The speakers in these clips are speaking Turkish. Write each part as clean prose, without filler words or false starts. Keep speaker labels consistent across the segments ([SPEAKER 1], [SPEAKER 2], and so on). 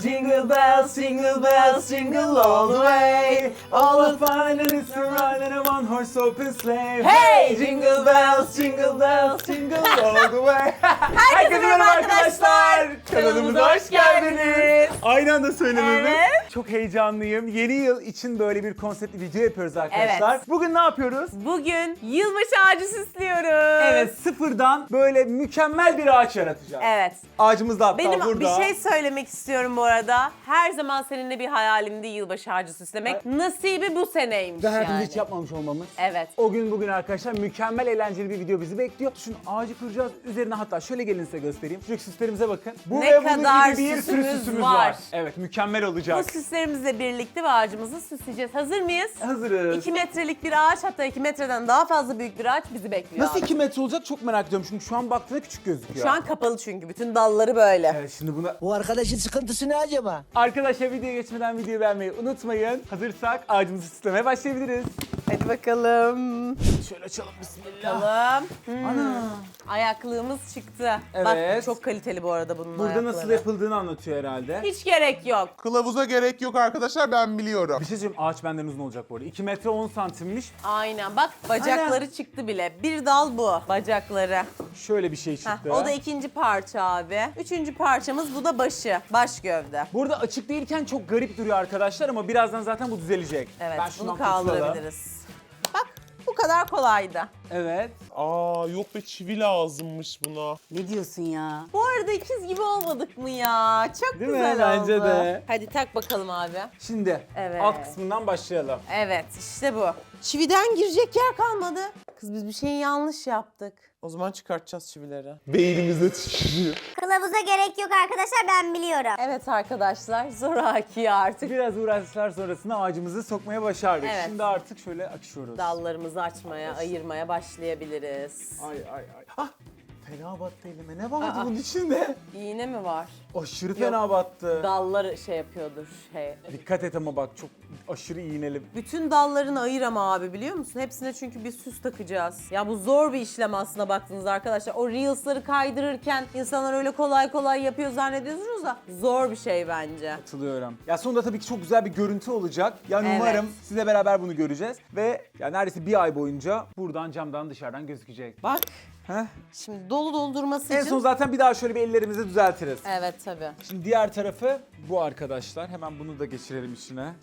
[SPEAKER 1] jingle bells, jingle all the way. All the fun and it's a ride in a one horse open sleigh.
[SPEAKER 2] Hey!
[SPEAKER 1] Jingle bells, jingle all the way.
[SPEAKER 2] Herkese merhaba arkadaşlar.
[SPEAKER 1] Kanalımıza hoş geldiniz. Aynı anda söylememiz.
[SPEAKER 2] Evet.
[SPEAKER 1] Çok heyecanlıyım. Yeni yıl için böyle bir konseptli video yapıyoruz arkadaşlar.
[SPEAKER 2] Evet.
[SPEAKER 1] Bugün ne yapıyoruz?
[SPEAKER 2] Bugün yılbaşı ağacı süslüyoruz.
[SPEAKER 1] Evet, sıfırdan böyle mükemmel bir ağaç yaratacağız.
[SPEAKER 2] Evet.
[SPEAKER 1] Ağacımız da hatta
[SPEAKER 2] Benim
[SPEAKER 1] burada.
[SPEAKER 2] bir şey söylemek istiyorum bu arada. Her zaman seninle bir hayalimdi yılbaşı ağacı süslemek. Nasibi bu seneymiş
[SPEAKER 1] Ve hayatımızda
[SPEAKER 2] yani.
[SPEAKER 1] hiç yapmamış olmamız.
[SPEAKER 2] Evet.
[SPEAKER 1] O gün bugün arkadaşlar mükemmel eğlenceli bir video bizi bekliyor. Şu ağacı kuracağız. Üzerine hatta şöyle gelin size göstereyim. Şuradaki süslerimize bakın. Bu
[SPEAKER 2] Ne
[SPEAKER 1] ve bunun
[SPEAKER 2] kadar
[SPEAKER 1] gibi bir sürü
[SPEAKER 2] süsümüz
[SPEAKER 1] süsümüz
[SPEAKER 2] var.
[SPEAKER 1] var. Evet, mükemmel olacak.
[SPEAKER 2] Bu süslerimizle birlikte bu ağacımızı süsleyeceğiz. Hazır mıyız?
[SPEAKER 1] Hazırız.
[SPEAKER 2] 2 metrelik bir ağaç, hatta 2 metreden daha fazla büyük bir ağaç bizi bekliyor.
[SPEAKER 1] Nasıl
[SPEAKER 2] abi.
[SPEAKER 1] 2 metre olacak çok merak ediyorum. Çünkü şu an baktığında küçük gözüküyor.
[SPEAKER 2] Şu an kapalı çünkü. Bütün dalları böyle.
[SPEAKER 1] Evet, şimdi buna...
[SPEAKER 3] Bu arkadaşın sıkıntısı ne acaba?
[SPEAKER 1] Arkadaşlar videoya geçmeden videoyu beğenmeyi unutmayın. Hazırsak ağacımızı süslemeye başlayabiliriz.
[SPEAKER 2] Hadi bakalım.
[SPEAKER 1] Şöyle açalım, bismillah.
[SPEAKER 2] Bakalım.
[SPEAKER 1] Ana.
[SPEAKER 2] Ayaklığımız çıktı.
[SPEAKER 1] Evet.
[SPEAKER 2] Bak çok kaliteli bu arada bunun
[SPEAKER 1] Burada
[SPEAKER 2] ayakları.
[SPEAKER 1] nasıl yapıldığını anlatıyor herhalde.
[SPEAKER 2] Hiç gerek yok.
[SPEAKER 4] Kılavuza gerek yok arkadaşlar, ben biliyorum.
[SPEAKER 1] Bir şey söyleyeyim, ağaç benden uzun olacak bu arada. 2 metre 10 santimmiş.
[SPEAKER 2] Aynen, bak bacakları çıktı bile. Bir dal bu bacakları.
[SPEAKER 1] Şöyle bir şey
[SPEAKER 2] Heh,
[SPEAKER 1] çıktı.
[SPEAKER 2] o da ikinci parça abi. Üçüncü parçamız bu da başı. Baş gövde.
[SPEAKER 1] Burada açık değilken çok garip duruyor arkadaşlar ama birazdan zaten bu düzelecek.
[SPEAKER 2] Evet,
[SPEAKER 1] Ben şundan
[SPEAKER 2] bunu kaldırabiliriz. Bak, bu kadar kolaydı.
[SPEAKER 1] Evet.
[SPEAKER 4] Aa yok be, çivi lazımmış buna.
[SPEAKER 5] Ne diyorsun ya?
[SPEAKER 2] Bu arada ikiz gibi olmadık mı ya? Çok
[SPEAKER 1] Değil mi?
[SPEAKER 2] güzel oldu.
[SPEAKER 1] Bence de.
[SPEAKER 2] Hadi tak bakalım abi.
[SPEAKER 1] Şimdi
[SPEAKER 2] Evet.
[SPEAKER 1] alt kısmından başlayalım.
[SPEAKER 2] Evet, işte bu. Çividen girecek yer kalmadı. Kız biz bir şeyi yanlış yaptık.
[SPEAKER 4] O zaman çıkartacağız çivileri. Beynimizde şişiyor.
[SPEAKER 6] Kılavuza gerek yok arkadaşlar, ben biliyorum.
[SPEAKER 2] Evet arkadaşlar, zoraki artık.
[SPEAKER 1] Biraz uğraşlar sonrasında ağacımızı sokmaya başardık.
[SPEAKER 2] Evet.
[SPEAKER 1] Şimdi artık şöyle açıyoruz.
[SPEAKER 2] Dallarımızı açmaya, ayırmaya başlayabiliriz.
[SPEAKER 1] Ay ay ay. Ah! Fena battı elime. Ne vardı bunun içinde?
[SPEAKER 2] İğne mi var?
[SPEAKER 1] Aşırı fena battı.
[SPEAKER 2] Dalları şey yapıyordur.
[SPEAKER 1] Dikkat et ama bak, çok aşırı iğneli.
[SPEAKER 2] Bütün dallarını ayır ama abi, biliyor musun? Hepsine çünkü bir süs takacağız. Ya bu zor bir işlem aslında baktığınızda arkadaşlar. O Reels'ları kaydırırken insanlar öyle kolay kolay yapıyor zannediyorsunuz da zor bir şey bence.
[SPEAKER 1] Katılıyorum. Ya sonunda tabii ki çok güzel bir görüntü olacak. Yani
[SPEAKER 2] Evet.
[SPEAKER 1] umarım sizle beraber bunu göreceğiz. Ve ya neredeyse bir ay boyunca buradan camdan dışarıdan gözükecek.
[SPEAKER 2] Bak
[SPEAKER 1] Heh.
[SPEAKER 2] şimdi dolu doldurması
[SPEAKER 1] En
[SPEAKER 2] için.
[SPEAKER 1] son zaten bir daha şöyle bir ellerimizi düzeltiriz.
[SPEAKER 2] Evet tabii.
[SPEAKER 1] Şimdi diğer tarafı bu arkadaşlar. Hemen bunu da geçirelim içine.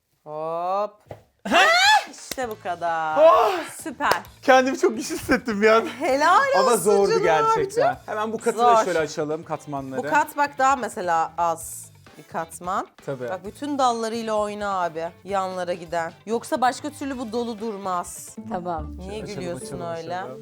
[SPEAKER 2] Hop. İşte bu kadar.
[SPEAKER 1] Oh!
[SPEAKER 2] Süper.
[SPEAKER 1] Kendimi çok güçlü hissettim bir an.
[SPEAKER 2] Helal olsun
[SPEAKER 1] Ama zordu
[SPEAKER 2] canım
[SPEAKER 1] gerçekten.
[SPEAKER 2] abicim.
[SPEAKER 1] Hemen bu katı da
[SPEAKER 2] Zor.
[SPEAKER 1] şöyle açalım, katmanları.
[SPEAKER 2] Bu kat bak daha mesela az bir katman.
[SPEAKER 1] Tabii.
[SPEAKER 2] Bak bütün dallarıyla oyna abi, yanlara giden. Yoksa başka türlü bu dolu durmaz.
[SPEAKER 5] Tamam.
[SPEAKER 2] Niye
[SPEAKER 1] Açalım,
[SPEAKER 2] gülüyorsun
[SPEAKER 1] açalım,
[SPEAKER 2] öyle?
[SPEAKER 1] açalım.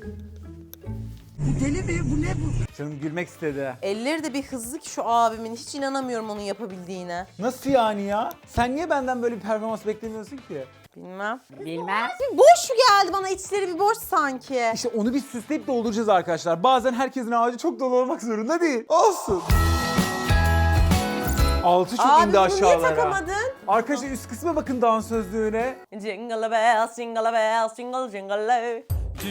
[SPEAKER 3] Bu deli mi? Bu ne bu?
[SPEAKER 1] Canım gülmek istedi.
[SPEAKER 2] Elleri de bir hızlı ki şu abimin. Hiç inanamıyorum onun yapabildiğine.
[SPEAKER 1] Nasıl yani ya? Sen niye benden böyle bir performans beklemiyorsun ki?
[SPEAKER 2] Bilmem.
[SPEAKER 5] Bilmem.
[SPEAKER 2] Boş geldi bana, içleri bir boş sanki.
[SPEAKER 1] İşte onu bir süsleyip dolduracağız arkadaşlar. Bazen herkesin ağacı çok dolu olmak zorunda değil. Olsun. Altı çok
[SPEAKER 2] Abi
[SPEAKER 1] indi
[SPEAKER 2] bunu niye
[SPEAKER 1] aşağılara.
[SPEAKER 2] takamadın?
[SPEAKER 1] Arkadaşlar üst kısma bakın dansözlüğüne.
[SPEAKER 2] Jingle bells, jingle bells, jingle jingle.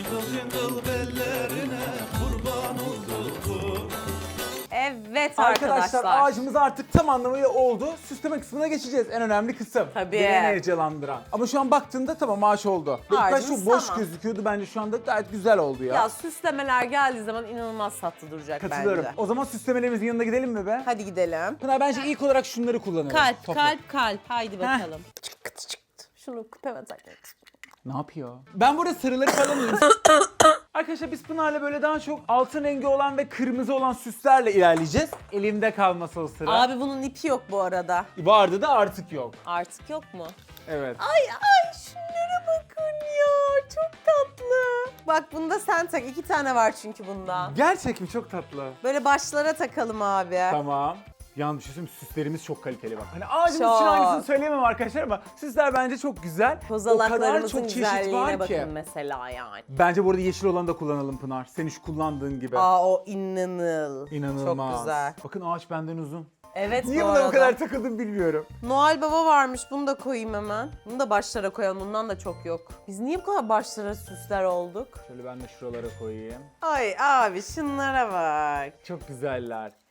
[SPEAKER 2] Evet
[SPEAKER 1] Arkadaşlar ağacımız artık tam anlamıyla oldu. Süsleme kısmına geçeceğiz. En önemli kısım.
[SPEAKER 2] Tabii.
[SPEAKER 1] Beni en heyecanlandıran. Ama şu an baktığımda tamam, ağaç oldu. İlk başta
[SPEAKER 2] Ağacımız
[SPEAKER 1] çok boş
[SPEAKER 2] tamam.
[SPEAKER 1] gözüküyordu. Bence şu anda gayet güzel oldu ya.
[SPEAKER 2] Ya süslemeler geldiği zaman inanılmaz tatlı duracak
[SPEAKER 1] Katılıyorum.
[SPEAKER 2] bence.
[SPEAKER 1] O zaman süslemelerimizin yanına gidelim mi be?
[SPEAKER 2] Hadi gidelim.
[SPEAKER 1] Pınar, bence ilk olarak şunları kullanalım.
[SPEAKER 2] Kalp,
[SPEAKER 1] Topla.
[SPEAKER 2] kalp, kalp. Haydi bakalım. Çıktı çıktı. Şunu küpeme takmak.
[SPEAKER 1] Ne yapıyor? Ben burada sarıları falan alayım. Arkadaşlar biz Pınar'la böyle daha çok altın rengi olan ve kırmızı olan süslerle ilerleyeceğiz. Elimde kalması o sıra.
[SPEAKER 2] Abi bunun ipi yok bu arada.
[SPEAKER 1] Vardı da artık yok.
[SPEAKER 2] Artık yok mu?
[SPEAKER 1] Evet.
[SPEAKER 2] Ay ay şunlara bakın ya. Çok tatlı. Bak bunda sen tak. 2 tane var çünkü bundan.
[SPEAKER 1] Gerçek mi? Çok tatlı.
[SPEAKER 2] Böyle başlara takalım abi.
[SPEAKER 1] Tamam. Yalnız bir şey söyleyeyim mi? Süslerimiz çok kaliteli bak. Hani ağacımız için
[SPEAKER 2] Çok.
[SPEAKER 1] hangisini söyleyemem arkadaşlar ama süsler bence çok güzel. O kadar
[SPEAKER 2] Kozalaklarımızın
[SPEAKER 1] çok çeşit
[SPEAKER 2] güzelliğine
[SPEAKER 1] var
[SPEAKER 2] bakın
[SPEAKER 1] ki.
[SPEAKER 2] mesela yani.
[SPEAKER 1] Bence bu arada yeşil olanı da kullanalım Pınar. Senin şu kullandığın gibi.
[SPEAKER 2] Aa o
[SPEAKER 1] İnanılmaz.
[SPEAKER 2] Çok güzel.
[SPEAKER 1] Bakın ağaç benden uzun.
[SPEAKER 2] Evet
[SPEAKER 1] Niye
[SPEAKER 2] bu
[SPEAKER 1] buna
[SPEAKER 2] arada.
[SPEAKER 1] bu kadar takıldım bilmiyorum.
[SPEAKER 2] Noel Baba varmış. Bunu da koyayım hemen. Bunu da başlara koyalım. Bundan da çok yok. Biz niye bu kadar başlara süsler olduk?
[SPEAKER 1] Şöyle ben de şuralara koyayım.
[SPEAKER 2] Ay abi şunlara bak.
[SPEAKER 1] Çok güzeller.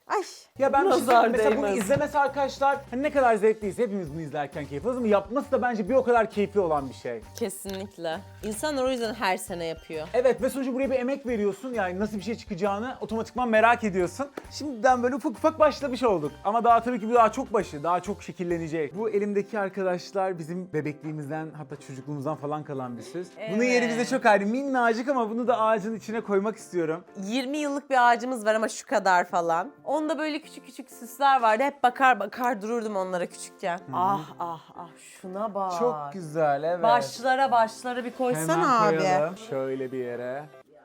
[SPEAKER 2] Ay.
[SPEAKER 1] Ya ben bir şey
[SPEAKER 2] nazar
[SPEAKER 1] söyleyeyim. Mesela bunu
[SPEAKER 2] değmez.
[SPEAKER 1] izlemesi arkadaşlar hani ne kadar zevkliyse hepimiz bunu izlerken keyif alıyoruz ama yapması da bence bir o kadar keyifli olan bir şey.
[SPEAKER 2] Kesinlikle. İnsanlar o yüzden her sene yapıyor.
[SPEAKER 1] Evet ve sonuçta buraya bir emek veriyorsun yani nasıl bir şey çıkacağını otomatikman merak ediyorsun. Şimdiden böyle ufak ufak başlamış olduk ama daha tabii ki bu daha çok başı, daha çok şekillenecek. Bu elimdeki arkadaşlar bizim bebekliğimizden hatta çocukluğumuzdan falan kalan bir süs. Bunun yeri
[SPEAKER 2] Evet.
[SPEAKER 1] bize çok ayrı, minnacık ama bunu da ağacın içine koymak istiyorum.
[SPEAKER 2] 20 yıllık bir ağacımız var ama şu kadar falan. Onda böyle küçük küçük süsler vardı. Hep bakar dururdum onlara küçükken. Ah ah ah şuna bak.
[SPEAKER 1] Çok güzel, evet.
[SPEAKER 2] Başlara bir koysana
[SPEAKER 1] Hemen
[SPEAKER 2] abi.
[SPEAKER 1] koyalım şöyle bir yere.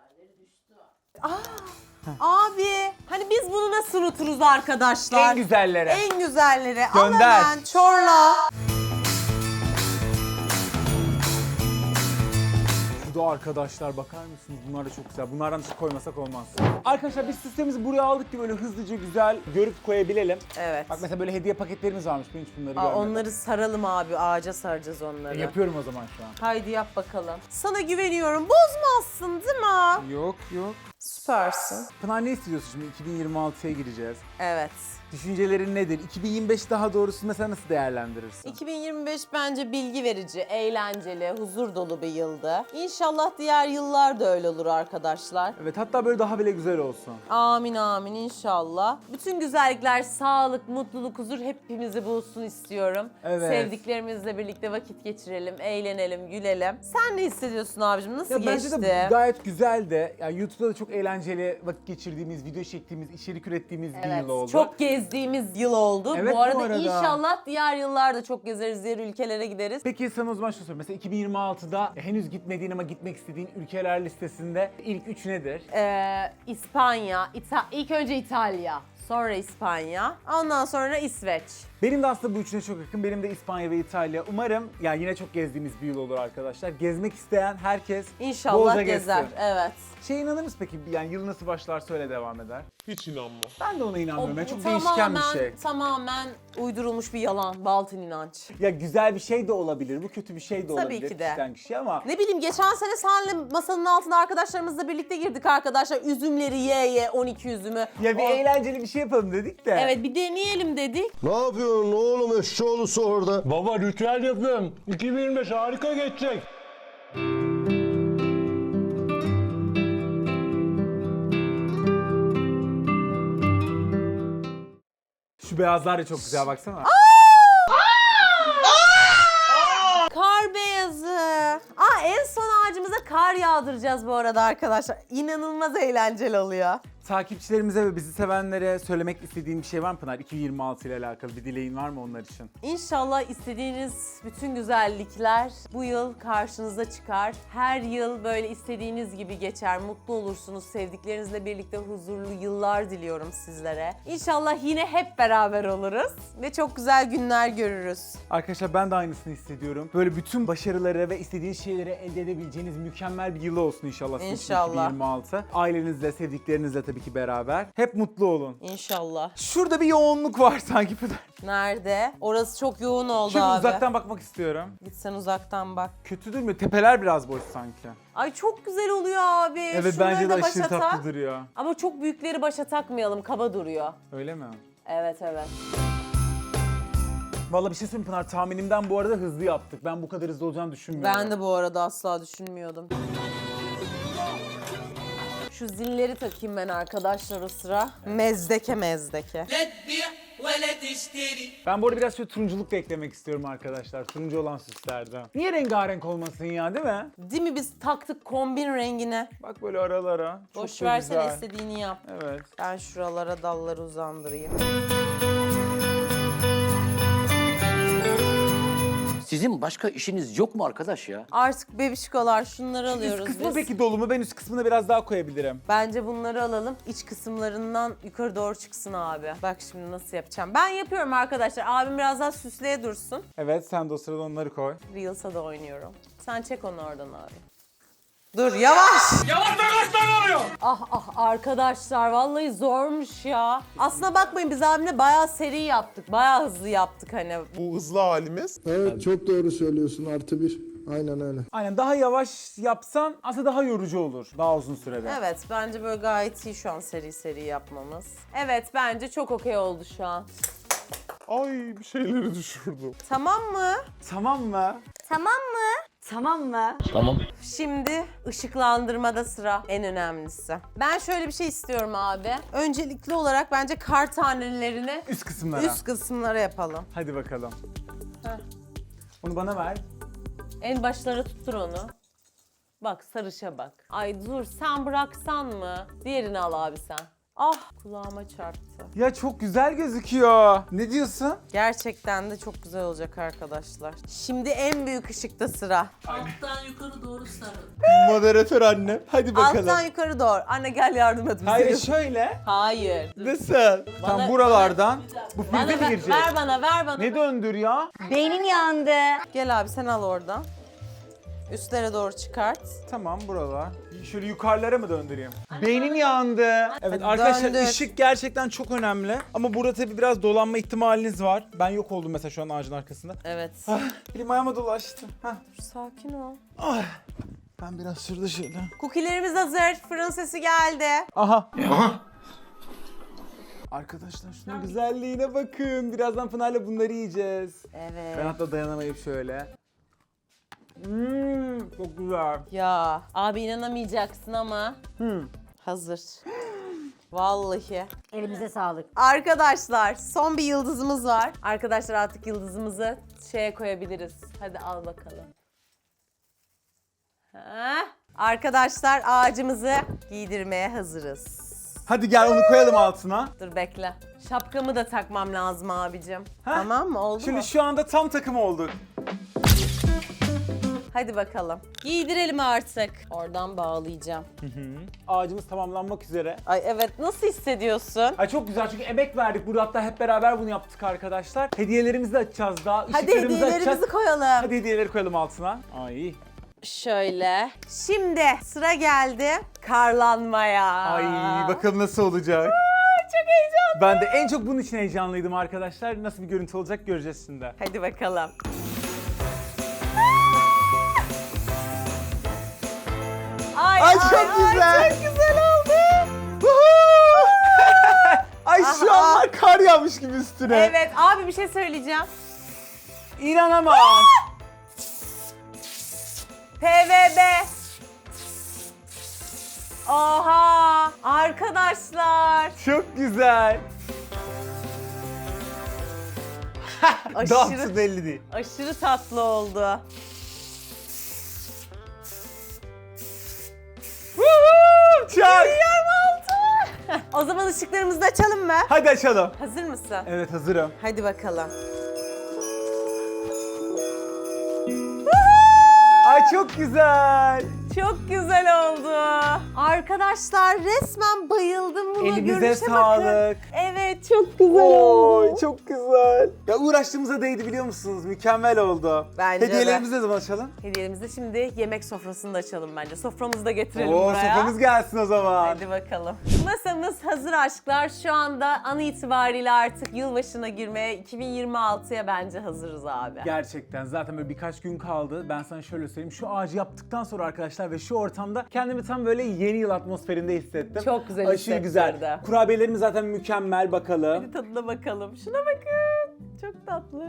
[SPEAKER 2] Abi hani biz bunu nasıl unuturuz arkadaşlar?
[SPEAKER 1] En güzelleri.
[SPEAKER 2] En güzelleri. Al
[SPEAKER 1] Gönder.
[SPEAKER 2] hemen çorla.
[SPEAKER 1] Şurada arkadaşlar bakar mısınız? Bunlar da çok güzel. Bunlardan hiç koymasak olmaz. Arkadaşlar biz süslerimizi buraya aldık ki böyle hızlıca güzel görüp koyabilelim.
[SPEAKER 2] Evet.
[SPEAKER 1] Bak mesela böyle hediye paketlerimiz varmış. Ben hiç bunları
[SPEAKER 2] Aa,
[SPEAKER 1] görmedim.
[SPEAKER 2] onları saralım abi. Ağaca saracağız onları.
[SPEAKER 1] Yapıyorum o zaman şu an.
[SPEAKER 2] Haydi yap bakalım. Sana güveniyorum. Bozmazsın değil mi?
[SPEAKER 1] Yok.
[SPEAKER 2] Süpersin.
[SPEAKER 1] Pınar ne istiyorsun şimdi? 2026'ya gireceğiz.
[SPEAKER 2] Evet.
[SPEAKER 1] Düşüncelerin nedir? 2025 daha doğrusu mesela nasıl değerlendirirsin?
[SPEAKER 2] 2025 bence bilgi verici, eğlenceli, huzur dolu bir yıldı. İnşallah diğer yıllar da öyle olur arkadaşlar.
[SPEAKER 1] Evet hatta böyle daha bile güzel olsun.
[SPEAKER 2] Amin amin inşallah. Bütün güzellikler, sağlık, mutluluk, huzur hepimizi bulsun istiyorum.
[SPEAKER 1] Evet.
[SPEAKER 2] Sevdiklerimizle birlikte vakit geçirelim, eğlenelim, gülelim. Sen ne hissediyorsun abicim? Nasıl
[SPEAKER 1] Ya
[SPEAKER 2] geçti?
[SPEAKER 1] bence de gayet güzeldi. Yani YouTube'da da çok eğlenceli vakit geçirdiğimiz, video çektiğimiz, içerik ürettiğimiz bir
[SPEAKER 2] Evet,
[SPEAKER 1] yıl oldu.
[SPEAKER 2] çok gezdiğimiz yıl oldu.
[SPEAKER 1] Evet,
[SPEAKER 2] bu
[SPEAKER 1] bu
[SPEAKER 2] arada
[SPEAKER 1] arada.
[SPEAKER 2] inşallah diğer yıllarda çok gezeriz, diğer ülkelere gideriz.
[SPEAKER 1] Peki sana o zaman şunu sorayım. Mesela 2026'da henüz gitmediğin ama gitmek istediğin ülkeler listesinde ilk 3 nedir?
[SPEAKER 2] İspanya, ilk önce İtalya, sonra İspanya, ondan sonra İsveç.
[SPEAKER 1] Benim de aslında bu üçüne çok yakın. Benim de İspanya ve İtalya. Umarım yani yine çok gezdiğimiz bir yıl olur arkadaşlar. Gezmek isteyen herkes
[SPEAKER 2] İnşallah
[SPEAKER 1] bolca
[SPEAKER 2] gezer.
[SPEAKER 1] gezsin.
[SPEAKER 2] Evet.
[SPEAKER 1] İnanır mısın peki? Yani yıl nasıl başlarsa öyle devam eder.
[SPEAKER 4] Hiç inanmam.
[SPEAKER 1] Ben de ona inanmıyorum. Yani çok
[SPEAKER 2] tamamen,
[SPEAKER 1] değişken bir şey.
[SPEAKER 2] Tamamen uydurulmuş bir yalan, batıl inanç.
[SPEAKER 1] Ya güzel bir şey de olabilir. Bu kötü bir şey de
[SPEAKER 2] Tabii
[SPEAKER 1] olabilir.
[SPEAKER 2] ki de.
[SPEAKER 1] Kişiden kişiye ama
[SPEAKER 2] Ne bileyim geçen sene senle masanın altında arkadaşlarımızla birlikte girdik arkadaşlar. Üzümleri ye 12 üzümü.
[SPEAKER 1] ya bir eğlenceli bir şey yapalım dedik de.
[SPEAKER 2] Evet bir deneyelim dedik.
[SPEAKER 5] Ne yapıyorsun oğlum eşşoğlusu orada?
[SPEAKER 7] Baba ritüel yapıyorum. 2025 harika geçecek.
[SPEAKER 1] Şu beyazlar da çok güzel baksana.
[SPEAKER 2] Kar beyazı. En son ağacımıza kar yağdıracağız bu arada arkadaşlar. İnanılmaz eğlenceli oluyor.
[SPEAKER 1] Takipçilerimize ve bizi sevenlere söylemek istediğim bir şey var mı Pınar? 2026 ile alakalı bir dileğin var mı onlar için?
[SPEAKER 2] İnşallah istediğiniz bütün güzellikler bu yıl karşınıza çıkar. Her yıl böyle istediğiniz gibi geçer, mutlu olursunuz. Sevdiklerinizle birlikte huzurlu yıllar diliyorum sizlere. İnşallah yine hep beraber oluruz ve çok güzel günler görürüz.
[SPEAKER 1] Arkadaşlar ben de aynısını hissediyorum. Böyle bütün başarıları ve istediğiniz şeyleri elde edebileceğiniz mükemmel bir yıl olsun inşallah. sizin için
[SPEAKER 2] İnşallah.
[SPEAKER 1] 2026. Ailenizle, sevdiklerinizle tabii ki beraber. Hep mutlu olun.
[SPEAKER 2] İnşallah.
[SPEAKER 1] Şurada bir yoğunluk var sanki Pınar.
[SPEAKER 2] Nerede? Orası çok yoğun oldu
[SPEAKER 1] Şöyle
[SPEAKER 2] abi.
[SPEAKER 1] uzaktan bakmak istiyorum.
[SPEAKER 2] Git sen uzaktan bak.
[SPEAKER 1] Kötü durmuyor. Tepeler biraz boş sanki.
[SPEAKER 2] Ay çok güzel oluyor abi.
[SPEAKER 1] Evet
[SPEAKER 2] Şunları
[SPEAKER 1] bence de
[SPEAKER 2] da
[SPEAKER 1] aşırı
[SPEAKER 2] başa
[SPEAKER 1] tatlı
[SPEAKER 2] tak.
[SPEAKER 1] duruyor.
[SPEAKER 2] Ama çok büyükleri başa takmayalım, kaba duruyor.
[SPEAKER 1] Öyle mi?
[SPEAKER 2] Evet evet.
[SPEAKER 1] Vallahi bir şey söyleyeyim Pınar, tahminimden bu arada hızlı yaptık. Ben bu kadar hızlı olacağını düşünmüyorum.
[SPEAKER 2] Ben de bu arada asla düşünmüyordum. Şu zilleri takayım ben arkadaşlar o sıra. Mezdeke mezdeke.
[SPEAKER 1] Ben bu arada biraz şöyle turunculuk da eklemek istiyorum arkadaşlar. Turuncu olan süslerden. Niye rengarenk olmasın ya, değil mi?
[SPEAKER 2] Değil mi biz taktık kombin rengine.
[SPEAKER 1] Bak böyle aralara. Çok
[SPEAKER 2] Boş
[SPEAKER 1] da
[SPEAKER 2] versene
[SPEAKER 1] güzel.
[SPEAKER 2] istediğini yap.
[SPEAKER 1] Evet.
[SPEAKER 2] Ben şuralara dalları uzandırayım.
[SPEAKER 8] Sizin başka işiniz yok mu arkadaş ya?
[SPEAKER 2] Artık bebişkolar şunları
[SPEAKER 1] Üst
[SPEAKER 2] alıyoruz
[SPEAKER 1] kısmı
[SPEAKER 2] biz.
[SPEAKER 1] peki dolu mu? Ben üst kısmını biraz daha koyabilirim.
[SPEAKER 2] Bence bunları alalım. İç kısımlarından yukarı doğru çıksın abi. Bak şimdi nasıl yapacağım. Ben yapıyorum arkadaşlar. Abim biraz daha süsleye dursun.
[SPEAKER 1] Evet, sen de o sırada onları koy.
[SPEAKER 2] Reels'a da oynuyorum. Sen çek onu oradan abi. Dur yavaş. Ah arkadaşlar vallahi zormuş ya. Aslına bakmayın biz abimle bayağı seri yaptık. Bayağı hızlı yaptık hani.
[SPEAKER 4] Bu hızlı halimiz.
[SPEAKER 5] Evet çok doğru söylüyorsun +1. Aynen öyle.
[SPEAKER 1] Aynen, daha yavaş yapsan aslında daha yorucu olur. Daha uzun sürede.
[SPEAKER 2] Evet, bence böyle gayet iyi şu an seri yapmamız. Evet, bence çok okey oldu şu an.
[SPEAKER 4] Ay bir şeyleri düşürdüm.
[SPEAKER 2] Tamam mı?
[SPEAKER 1] Tamam mı?
[SPEAKER 6] Tamam mı?
[SPEAKER 9] Tamam mı?
[SPEAKER 2] Şimdi ışıklandırmada sıra, en önemlisi. Ben şöyle bir şey istiyorum abi. Öncelikli olarak bence kar tanelerini
[SPEAKER 1] Üst kısımlara.
[SPEAKER 2] üst kısımlara yapalım.
[SPEAKER 1] Hadi bakalım.
[SPEAKER 2] Heh.
[SPEAKER 1] Onu bana ver.
[SPEAKER 2] En başlara tuttur onu. Bak sarışa bak. Ay dur, sen bıraksan mı? Diğerini al abi sen. Ah, kulağıma çarptı.
[SPEAKER 1] Ya çok güzel gözüküyor. Ne diyorsun?
[SPEAKER 2] Gerçekten de çok güzel olacak arkadaşlar. Şimdi en büyük ışıkta sıra.
[SPEAKER 4] Moderatör anne. Hadi bakalım.
[SPEAKER 2] Alttan yukarı doğru. Anne gel yardım et bize.
[SPEAKER 1] Hayır, şöyle.
[SPEAKER 2] Hayır.
[SPEAKER 1] Nasıl? Tam buralardan. Bu
[SPEAKER 2] Bana
[SPEAKER 1] prize mi
[SPEAKER 2] ver,
[SPEAKER 1] girecek?
[SPEAKER 2] ver bana.
[SPEAKER 1] Ne döndür ya?
[SPEAKER 9] Beynim yandı.
[SPEAKER 2] Gel abi sen al oradan. Üstlere doğru çıkart.
[SPEAKER 1] Tamam, buralar. Şöyle yukarılara mı döndüreyim? Beynim yandı. Evet
[SPEAKER 2] Hadi
[SPEAKER 1] arkadaşlar,
[SPEAKER 2] döndür.
[SPEAKER 1] ışık gerçekten çok önemli. Ama burada tabii biraz dolanma ihtimaliniz var. Ben yok oldum mesela şu an ağacın arkasında.
[SPEAKER 2] Evet.
[SPEAKER 1] Ah, elim ayağıma dolaştı. Hah.
[SPEAKER 2] Sakin ol.
[SPEAKER 1] Ah. Ben biraz şurada şöyle.
[SPEAKER 2] Cookie'lerimiz hazır. Fırın sesi geldi.
[SPEAKER 1] Aha. Arkadaşlar şunun güzelliğine bakın. Birazdan Pınar'la bunları yiyeceğiz.
[SPEAKER 2] Evet.
[SPEAKER 1] Ben hatta dayanamayıp şöyle. Çok güzel.
[SPEAKER 2] Ya abi inanamayacaksın ama hazır. Vallahi.
[SPEAKER 9] Elimize sağlık.
[SPEAKER 2] Arkadaşlar son bir yıldızımız var. Arkadaşlar artık yıldızımızı şeye koyabiliriz. Hadi al bakalım. Ha? Arkadaşlar ağacımızı giydirmeye hazırız.
[SPEAKER 1] Hadi gel onu koyalım altına.
[SPEAKER 2] Dur bekle. Şapkamı da takmam lazım abicim.
[SPEAKER 1] Ha?
[SPEAKER 2] Tamam mı? Oldu
[SPEAKER 1] Şimdi
[SPEAKER 2] mu?
[SPEAKER 1] şu anda tam takım olduk.
[SPEAKER 2] Hadi bakalım. Giydirelim artık. Oradan bağlayacağım.
[SPEAKER 1] Ağacımız tamamlanmak üzere.
[SPEAKER 2] Ay evet, nasıl hissediyorsun?
[SPEAKER 1] Ay çok güzel çünkü emek verdik. Burada hatta hep beraber bunu yaptık arkadaşlar. Hediyelerimizi de açacağız daha.
[SPEAKER 2] Hadi
[SPEAKER 1] ışıklarımızı
[SPEAKER 2] hediyelerimizi
[SPEAKER 1] açacağız.
[SPEAKER 2] koyalım.
[SPEAKER 1] Hadi hediyeleri koyalım altına. Ay.
[SPEAKER 2] Şöyle. Şimdi sıra geldi karlanmaya.
[SPEAKER 1] Ay bakalım nasıl olacak.
[SPEAKER 2] Çok heyecanlı.
[SPEAKER 1] Ben de en çok bunun için heyecanlıydım arkadaşlar. Nasıl bir görüntü olacak göreceğiz şimdi.
[SPEAKER 2] Hadi bakalım.
[SPEAKER 1] Ay, çok güzel.
[SPEAKER 2] Çok güzel oldu.
[SPEAKER 1] Ay şu
[SPEAKER 2] Aha.
[SPEAKER 1] an kar yağmış gibi üstüne.
[SPEAKER 2] Evet abi bir şey söyleyeceğim.
[SPEAKER 1] İnanamam.
[SPEAKER 2] PVB. Oha! Arkadaşlar.
[SPEAKER 1] Çok güzel.
[SPEAKER 2] Aşırı-
[SPEAKER 1] Dansı belli değil.
[SPEAKER 2] Aşırı tatlı oldu.
[SPEAKER 1] Çak.
[SPEAKER 2] O zaman ışıklarımızı da açalım mı?
[SPEAKER 1] Hadi açalım.
[SPEAKER 2] Hazır mısın?
[SPEAKER 1] Evet hazırım.
[SPEAKER 2] Hadi bakalım.
[SPEAKER 1] Ay çok güzel.
[SPEAKER 2] Çok güzel oldu. Arkadaşlar resmen bayıldım buna.
[SPEAKER 1] Elinize
[SPEAKER 2] Görünüşe
[SPEAKER 1] sağlık.
[SPEAKER 2] bakın. Evet çok güzel oldu.
[SPEAKER 1] Oy çok güzel. Ya uğraştığımıza değdi biliyor musunuz? Mükemmel oldu.
[SPEAKER 2] Bence de.
[SPEAKER 1] Hediyelerimizi ne zaman açalım?
[SPEAKER 2] Hediyemizi şimdi yemek sofrasında açalım bence. Soframızı da getirelim
[SPEAKER 1] Oo
[SPEAKER 2] buraya.
[SPEAKER 1] soframız gelsin o zaman.
[SPEAKER 2] Hadi bakalım. Masamız hazır aşklar. Şu anda an itibariyle artık yılbaşına girmeye 2026'ya bence hazırız abi.
[SPEAKER 1] Gerçekten zaten böyle birkaç gün kaldı. Ben sana şöyle söyleyeyim. Şu ağacı yaptıktan sonra arkadaşlar ve şu ortamda kendimi tam böyle yeni yıl atmosferinde hissettim.
[SPEAKER 2] Çok güzel
[SPEAKER 1] Aşırı
[SPEAKER 2] hissettirdi.
[SPEAKER 1] güzel. Kurabiyelerimiz zaten mükemmel, bakalım.
[SPEAKER 2] Hadi tadına bakalım. Şuna bakın. Çok tatlı.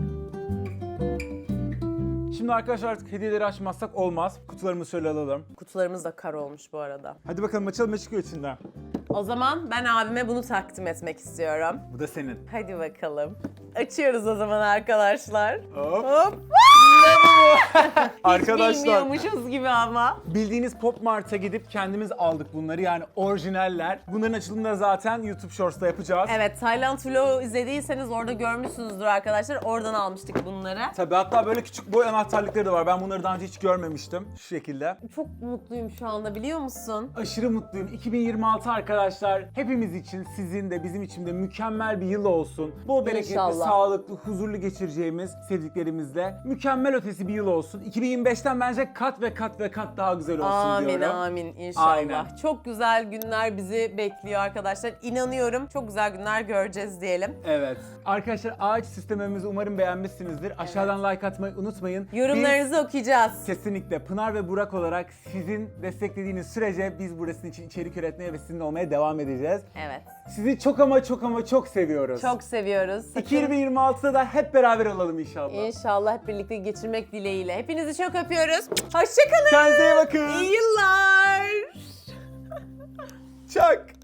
[SPEAKER 1] Şimdi arkadaşlar artık hediyeleri açmazsak olmaz. Kutularımızı şöyle alalım.
[SPEAKER 2] Kutularımız da kar olmuş bu arada.
[SPEAKER 1] Hadi bakalım açalım ne çıkıyor içinden.
[SPEAKER 2] O zaman ben abime bunu takdim etmek istiyorum.
[SPEAKER 1] Bu da senin.
[SPEAKER 2] Hadi bakalım. Açıyoruz o zaman arkadaşlar.
[SPEAKER 1] Hop.
[SPEAKER 2] Hop.
[SPEAKER 1] Arkadaşlar
[SPEAKER 2] Bilmiyormuşuz gibi ama.
[SPEAKER 1] bildiğiniz Pop Mart'a gidip kendimiz aldık bunları, yani orijinaller. Bunların açılımını da zaten YouTube Shorts'ta yapacağız.
[SPEAKER 2] Evet, Tayland vlogu izlediyseniz orada görmüşsünüzdür arkadaşlar. Oradan almıştık bunları.
[SPEAKER 1] Tabii hatta böyle küçük boy anahtarlıkları da var. Ben bunları daha önce hiç görmemiştim. Şu şekilde.
[SPEAKER 2] Çok mutluyum şu anda biliyor musun?
[SPEAKER 1] Aşırı mutluyum. 2026 arkadaşlar hepimiz için, sizin de bizim için de mükemmel bir yıl olsun. Bol bereketli,
[SPEAKER 2] İnşallah.
[SPEAKER 1] sağlıklı, huzurlu geçireceğimiz sevdiklerimizle mükemmel mükemmel ötesi bir yıl olsun. 2025'ten bence kat ve kat ve kat daha güzel olsun
[SPEAKER 2] Amin
[SPEAKER 1] diyorum.
[SPEAKER 2] amin inşallah.
[SPEAKER 1] Aynen.
[SPEAKER 2] Çok güzel günler bizi bekliyor arkadaşlar. İnanıyorum çok güzel günler göreceğiz diyelim.
[SPEAKER 1] Evet. Arkadaşlar ağaç süslememizi umarım beğenmişsinizdir. Aşağıdan like atmayı unutmayın.
[SPEAKER 2] Yorumlarınızı okuyacağız.
[SPEAKER 1] Kesinlikle Pınar ve Burak olarak sizin desteklediğiniz sürece biz burası için içerik üretmeye ve sizinle olmaya devam edeceğiz.
[SPEAKER 2] Evet.
[SPEAKER 1] Sizi çok ama çok ama çok seviyoruz.
[SPEAKER 2] Çok seviyoruz. Sakın-
[SPEAKER 1] 2026'da da hep beraber olalım inşallah.
[SPEAKER 2] İnşallah hep birlikte geçirmek dileğiyle. Hepinizi çok öpüyoruz. Hoşçakalın.
[SPEAKER 1] Kendinize iyi bakın.
[SPEAKER 2] İyi yıllar.
[SPEAKER 1] Çak.